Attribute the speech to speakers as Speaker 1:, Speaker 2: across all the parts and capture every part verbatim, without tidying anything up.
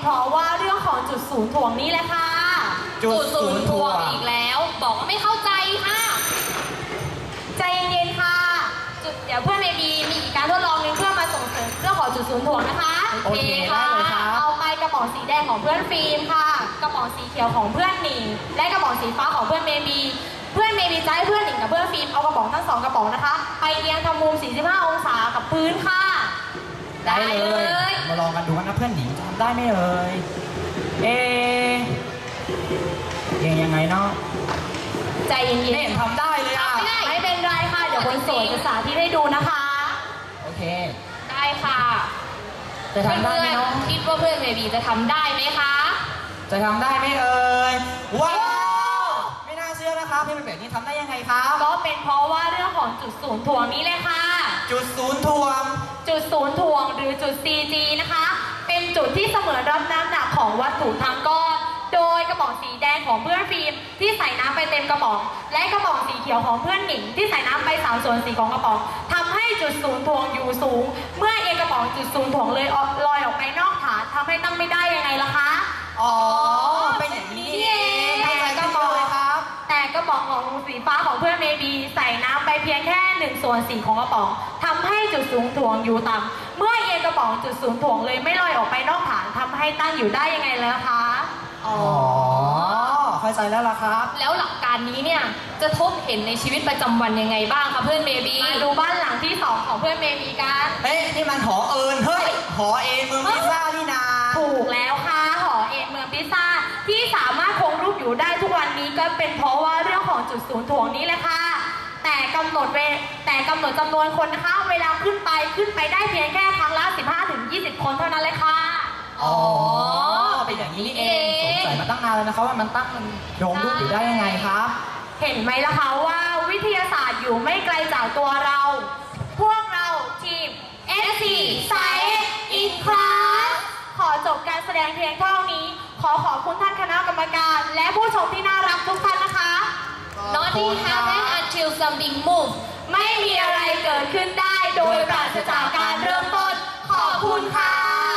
Speaker 1: เพราะว่าเรื่องของจุดศูนย์ถ่วงนี่แหละค่ะ
Speaker 2: จุดศูนย์ถ่วงอีกแล้วบอกว่าไม่เข้าใจค่ะ
Speaker 1: ใจเย็นๆค่ะจุดเดี๋ยวเพื่อนเมบีมีอีกการทดลองหนึงเพื่อมาส่งเสริมเรื่องของจุดศูนย์ถ่วงนะคะ
Speaker 2: โอเคค่ะ
Speaker 1: เอาไปกระป๋องสีแดงของเพื่อนฟิล์มค่ะกระป๋องสีเขียวของเพื่อนหนิงและกระป๋องสีฟ้าของเพื่อนเมบีเพื่อนเมบีจะให้เพื่อนหนิงกับเพื่อนฟิล์มเอากระป๋องทั้งสองกระป๋องนะคะไปเรียงทำมุมสี่สิบห้าองศากับพื้นค่ะ
Speaker 2: ได้เลยมาลองกันดูกันนะเพื่อนหนิงทำได้ไหมเอ่ยเอ๊ะเองยังไงเนาะ
Speaker 1: ใจเย็นๆ
Speaker 2: ไม่เห็นทำได้เลยอ่ะ
Speaker 1: ไม่เป็นไรค่ะเดี๋ยวคนสวยจะสาธิตให้ดูนะคะ
Speaker 2: โอเค
Speaker 1: ได้ค่ะ
Speaker 2: จะทำได้ไหมน้อง
Speaker 1: คิดว่าเพื่อนเบบีจะทำได้ไหมคะ
Speaker 2: จะทำได้ไหมเอ่ยว้าวไม่น่าเชื่อนะครับพี่เป็นแบบนี้ทำได้ยังไงครับ
Speaker 1: ก็เป็นเพราะว่าเรื่องของจุดศูนย์ถ่วงนี้เลยค่ะ
Speaker 2: จุดศูนย์ถ่วง
Speaker 1: จุดศูนย์ถ่วงหรือจุด ซี จี นะคะเป็นจุดที่เสมือนรับน้ำหนักของวัตถุทั้งก้อนโดยกระป๋องสีแดงของเพื่อนฟิล์มที่ใส่น้ำไปเต็มกระป๋องและกระป๋องสีเขียวของเพื่อนหนิงที่ใส่น้ำไปสามส่วนสี่ของกระป๋องทำให้จุดศูนย์ถ่วงอยู่สูงเมื่อเอกระป๋องจุดศูนย์ถ่วงเลยลอยออกไปนอกฐานทำให้ตั้งไม่ได้ยังไงล่ะคะ
Speaker 2: อ๋อเป็นอย่างนี้เอง
Speaker 1: แต่กระป๋องแต่กระป๋องของสีฟ้าของเพื่อนเมบีใส่น้ำไปเพียงแค่หนึ่งส่วนสี่ของกระป๋องทำให้จุดศูนย์ถ่วงอยู่ต่ำเมื่อเอกระป๋องจุดศูนย์ถ่วงเลยไม่ลอยออกไปนอกฐานทำให้ตั้งอยู่ได้ยังไงแล้วคะ
Speaker 2: อ๋อเข้าใจแล้วล่ะครับ
Speaker 1: แล้วหลักการนี้เนี่ยจะพบเห็นในชีวิตประจำวันยังไงบ้างคะเพื่อนเมบีมาดูบ้านหลังที่สองของเพื่อนเมบีกัน
Speaker 2: เอ๊ะนี่มันหอเอิญเฮ้ยหอเอเมืองพิซซ่านี่นา
Speaker 1: ถูกแล้วค่ะหอเอเมืองพิซซ่าที่สามารถคงรูปอยู่ได้ทุกวันนี้ก็เป็นเพราะว่าเรื่องของจุดศูนย์ถ่วงนี้แหละค่ะแต่กำหนดเวแต่กำหนดจำนวนคนนะคะเวลาขึ้นไปขึ้นไปได้เพียงแค่ครั้งละ สิบห้าถึงยี่สิบ คนเท่านั้นเลยค่ะ
Speaker 2: อ๋อเป็นอย่างนี้นี่เองสงสัยมาตั้งนานแล้วนะครับว่ามันตั้งโยงรูปอยู่ได้ยังไงครับ
Speaker 1: เห็นไหมล่ะคะว่าวิทยาศาสตร์อยู่ไม่ไกลจากตัวเราพวกเราทีม เอส ซี Science in Class ขอจบการแสดงเพียงเท่านี้ขอขอบคุณท่านคณะกรรมการและผู้ชมที่น่ารักทุกท่านนะคะ
Speaker 2: Nothing happens until something moves
Speaker 1: ไม่มีอะไรเกิดขึ้นได้โดยปราศจากการเริ่มต้นขอบคุณค่ะ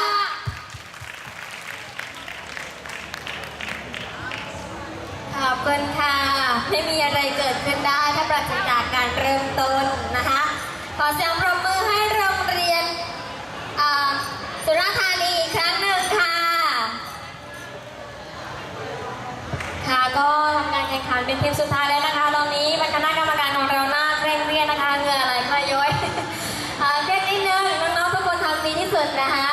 Speaker 3: ขอบคุณค่ะไม่มีอะไรเกิดขึ้นได้ถ้าปราศจากการเริ่มต้นนะคะขอเสียงปรบมือให้โรงเรียนสุราษฎร์ธานีอีกครั้งหนึ่งค่ะค่ะก็ทำการแข่งขันเป็นทีมสุดท้ายแล้วนะคะตอนนี้บรรคณะกรรมการของเราหน้าเคร่งเครียดนะคะเหงื่อไหลคลายย้อยเต้นนิดนึงน้องๆทุกคนทำดีที่สุดนะคะ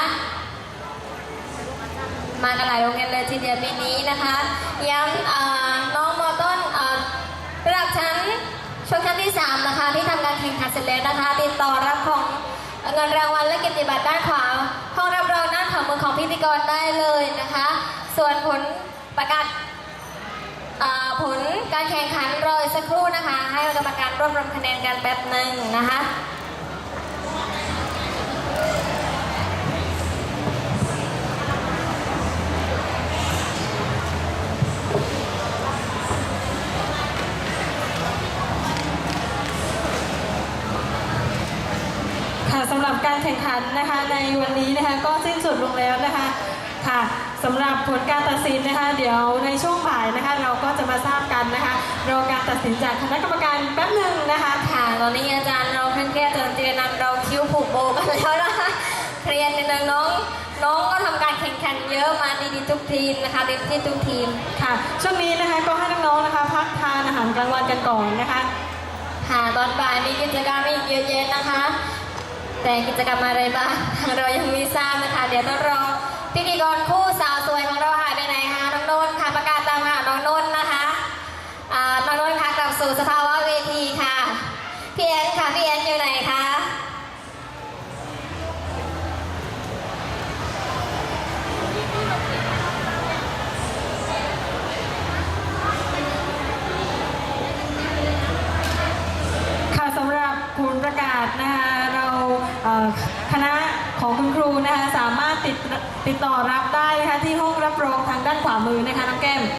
Speaker 3: มากันหลายโรงเรียนเลยทีเดียวปีนี้นะคะย้ำน้องมอต้นระดับชั้นช่วงชั้นที่สามนะคะที่ทำการแข่งขันเสร็จแล้วนะคะติดต่อรับของเงินรางวัลและเกียรติบัตรด้านขวาห้องรับรองด้านขวามือของพิธีกรได้เลยนะคะส่วนผลประกาศผลการแข่งขันรอสักครู่นะคะให้กรรมการรวบรวมคะแนนกันแป๊บหนึ่งนะคะ
Speaker 4: สำหรับการแข่งขันนะคะในวันนี้นะคะก็สิ้นสุดลงแล้วนะคะค่ะสำหรับผลการตัดสินนะคะเดี๋ยวในช่วงบ่ายนะคะเราก็จะมาทราบกันนะคะรอการตัดสินจากคณะกรรมการแป๊บหนึ่งนะคะ
Speaker 3: ค่ะตอนนี้อาจารย์เราเครียดจนเจนันเราคิ้วผูกโบกันแล้วนะคะเครียดนิดนึงน้องน้องก็ทำการแข่งขันเยอะมาดีๆทุกทีมนะคะเต็มที่ทุกทีม
Speaker 4: ค่ะช่วงนี้นะคะก็ให้น้องๆนะคะพักทานอาหารกลางวันกันก่อนนะคะ
Speaker 3: ค่ะตอนบ่ายมีกิจกรรมอีกเยอะแยะนะคะแต่กิจกรรมอะไรบ้างเรายังไม่ทราบนะคะเดี๋ยวต้องรอพิธีกรคู่สาวสวยของเราหายไปไหนคะน้องนนท์ค่ะประกาศตามหาน้องนนท์นะคะน้องนนท์ค่ะกลับสู่สภาวะเวทีค่ะพี่แอนค่ะพี่แอนอยู่ไหนคะ
Speaker 4: ค่ะสำหรับผลประกาศนะคะเราคณะของคุณครูนะคะสามารถติดติดต่อรับได้นะคะที่ห้องรับรองทางด้านขวามือนะคะน้องแก้ม